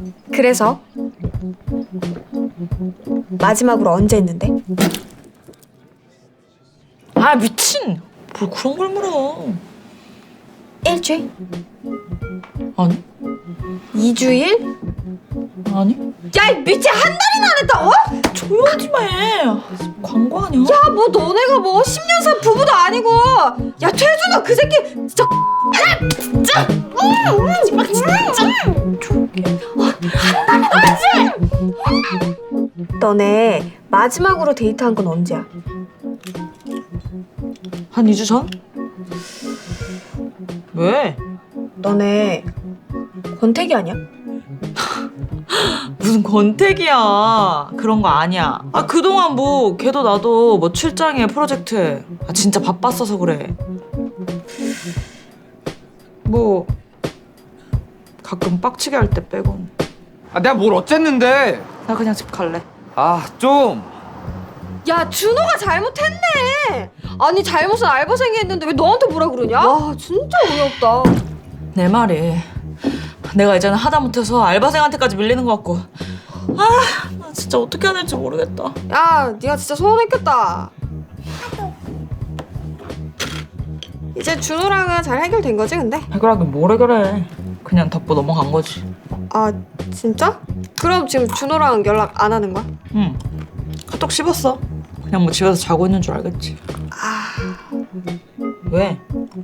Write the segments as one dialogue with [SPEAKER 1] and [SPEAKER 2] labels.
[SPEAKER 1] 그래서? 마지막으로 언제 했는데?
[SPEAKER 2] 아 미친! 뭘 그런 걸 물어.
[SPEAKER 1] 일주일?
[SPEAKER 2] 아니?
[SPEAKER 1] 2주일?
[SPEAKER 2] 아니?
[SPEAKER 1] 야, 이 미친, 한 달이나 안 했다, 어?
[SPEAKER 2] 조용히 좀 해. 광고 아니야?
[SPEAKER 1] 야, 뭐 너네가 뭐 10년 산 부부도 아니고. 야, 태준아, 그 새끼 진짜 진짜 한 달이나 했지. 너네 마지막으로 데이트한 건 언제야?
[SPEAKER 2] 한 2주 전? 왜?
[SPEAKER 1] 너네 권태기 아니야?
[SPEAKER 2] 무슨 권태기야. 그런 거 아니야. 아 그동안 뭐 걔도 나도 뭐 출장에 프로젝트에 아 진짜 바빴어서 그래. 뭐 가끔 빡치게 할 때 빼곤.
[SPEAKER 3] 아 내가 뭘 어쨌는데?
[SPEAKER 2] 나 그냥 집 갈래.
[SPEAKER 3] 아 좀.
[SPEAKER 1] 야, 준호가 잘못했네. 아니, 잘못은 알바생이 했는데 왜 너한테 뭐라 그러냐? 와, 진짜 어이없다.
[SPEAKER 2] 내 말이 내가 이제는 하다못해서 알바생한테까지 밀리는 것 같고 아 나 진짜 어떻게 해야 될지 모르겠다.
[SPEAKER 1] 야, 네가 진짜 서운했겠다. 이제 준호랑은 잘 해결된 거지, 근데?
[SPEAKER 2] 해결하긴 뭘 해결해. 그냥 덮고 넘어간 거지.
[SPEAKER 1] 아, 진짜? 그럼 지금 준호랑 연락 안 하는 거야?
[SPEAKER 2] 응. 카톡 씹었어. 그냥 뭐 집에서 자고 있는 줄 알겠지. 왜?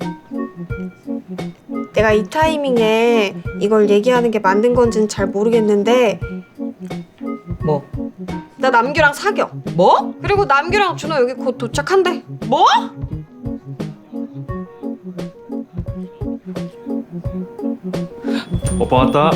[SPEAKER 1] 내가 이 타이밍에 이걸 얘기하는 게 맞는 건지는 잘 모르겠는데
[SPEAKER 2] 뭐?
[SPEAKER 1] 나 남규랑 사겨.
[SPEAKER 2] 뭐?
[SPEAKER 1] 그리고 남규랑 준호 여기 곧 도착한대.
[SPEAKER 2] 뭐?
[SPEAKER 4] 오빠 왔다.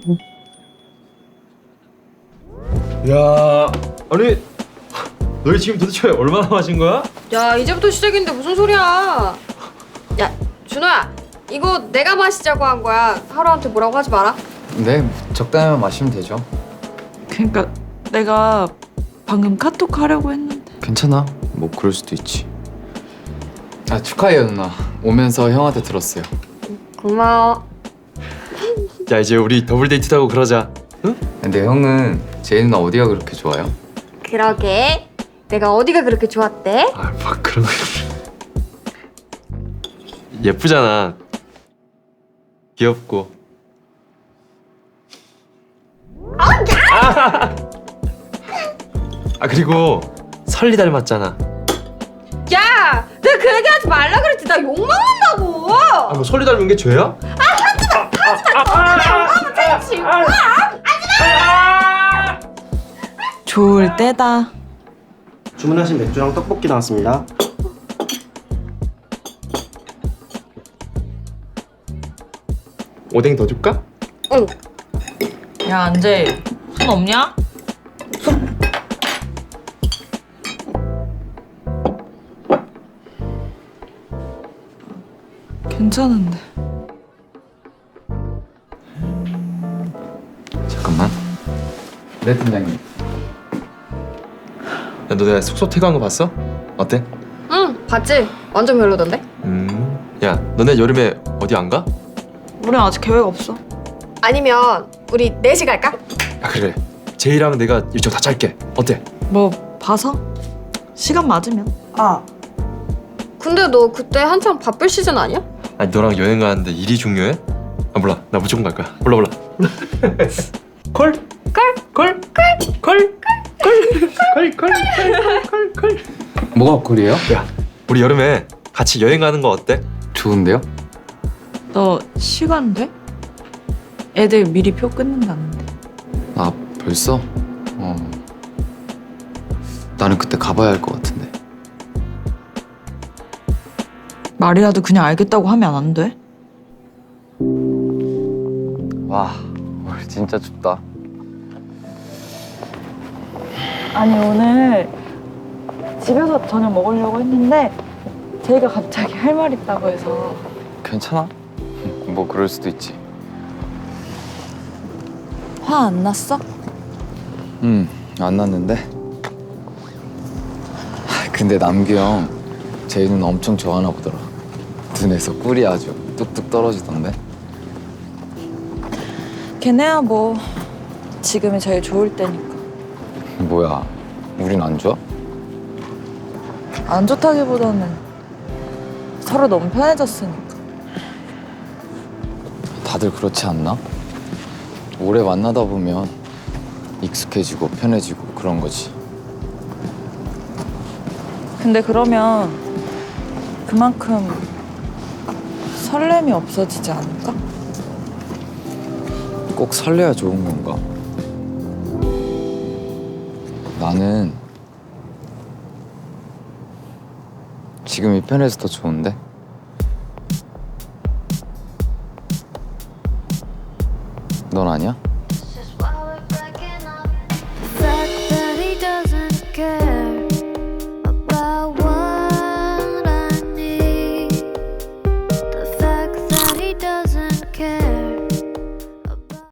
[SPEAKER 4] 야, 아니 너희 지금 도대체 얼마나 마신 거야?
[SPEAKER 1] 야, 이제부터 시작인데 무슨 소리야. 야, 준호야, 이거 내가 마시자고 한 거야. 하루한테 뭐라고 하지 마라.
[SPEAKER 3] 네, 적당히만 마시면 되죠.
[SPEAKER 2] 그러니까 내가 방금 카톡 하려고 했는데.
[SPEAKER 3] 괜찮아. 뭐 그럴 수도 있지. 아 축하해요 누나. 오면서 형한테 들었어요.
[SPEAKER 1] 고마워.
[SPEAKER 4] 야 이제 우리 더블 데이트도 하고 그러자. 응?
[SPEAKER 3] 근데 형은 제이 누나 어디가 그렇게 좋아요?
[SPEAKER 1] 그러게. 내가 어디가 그렇게 좋았대?
[SPEAKER 4] 아, 막 그런 거. 예쁘잖아. 귀엽고. 아 그리고 설리 닮았잖아.
[SPEAKER 1] 야, 내가 그 얘기 하지 말라 그랬지. 나 욕 먹는다고.
[SPEAKER 4] 아 뭐 설리 닮은 게 죄야?
[SPEAKER 2] 좋을 때다.
[SPEAKER 5] 주문하신 맥주랑 떡볶이 나왔습니다.
[SPEAKER 4] 오뎅 더 줄까?
[SPEAKER 1] 응.
[SPEAKER 2] 야 안재 손 없냐? 괜찮은데.
[SPEAKER 3] 잠깐만. 네 팀장님.
[SPEAKER 4] 야 너 내가 숙소 퇴근한 거 봤어? 어때?
[SPEAKER 1] 응, 봤지? 완전 별로던데?
[SPEAKER 4] 야 너네 여름에 어디 안 가?
[SPEAKER 2] 우린 아직 계획 없어.
[SPEAKER 1] 아니면 우리 넷이 갈까?
[SPEAKER 4] 야 그래. 제이랑 내가 일정 다 짤게. 어때?
[SPEAKER 2] 뭐 봐서? 시간 맞으면.
[SPEAKER 1] 아. 근데 너 그때 한창 바쁠 시즌 아니야?
[SPEAKER 4] 아니 너랑 여행 가는데 일이 중요해? 아 몰라. 나 무조건 갈 거야. 몰라. 콜? 콜? 콜?
[SPEAKER 3] 뭐가 콜이에요?
[SPEAKER 4] 야 우리 여름에 같이 여행 가는 거 어때?
[SPEAKER 3] 좋은데요?
[SPEAKER 2] 너 시간 돼? 애들 미리 표 끊는다는데.
[SPEAKER 3] 아 벌써? 나는 그때 가봐야 할 것 같은데.
[SPEAKER 2] 말이라도 그냥 알겠다고 하면 안 돼?
[SPEAKER 3] 와 오늘 진짜 춥다.
[SPEAKER 2] 아니 오늘 집에서 저녁 먹으려고 했는데 제이가 갑자기 할 말 있다고 해서.
[SPEAKER 3] 괜찮아? 뭐 그럴 수도 있지.
[SPEAKER 2] 화 안 났어?
[SPEAKER 3] 안 났는데. 근데 남규 형 제이 누나 엄청 좋아하나 보더라. 눈에서 꿀이 아주 뚝뚝 떨어지던데.
[SPEAKER 2] 걔네야 뭐 지금이 제일 좋을 때니까.
[SPEAKER 3] 뭐야, 우린 안 좋아?
[SPEAKER 2] 안 좋다기보다는 서로 너무 편해졌으니까.
[SPEAKER 3] 다들 그렇지 않나? 오래 만나다 보면 익숙해지고 편해지고 그런 거지.
[SPEAKER 2] 근데 그러면 그만큼 설렘이 없어지지 않을까?
[SPEAKER 3] 꼭 설레야 좋은 건가? 나는 지금이 편해서 더 좋은데? 넌 아니야?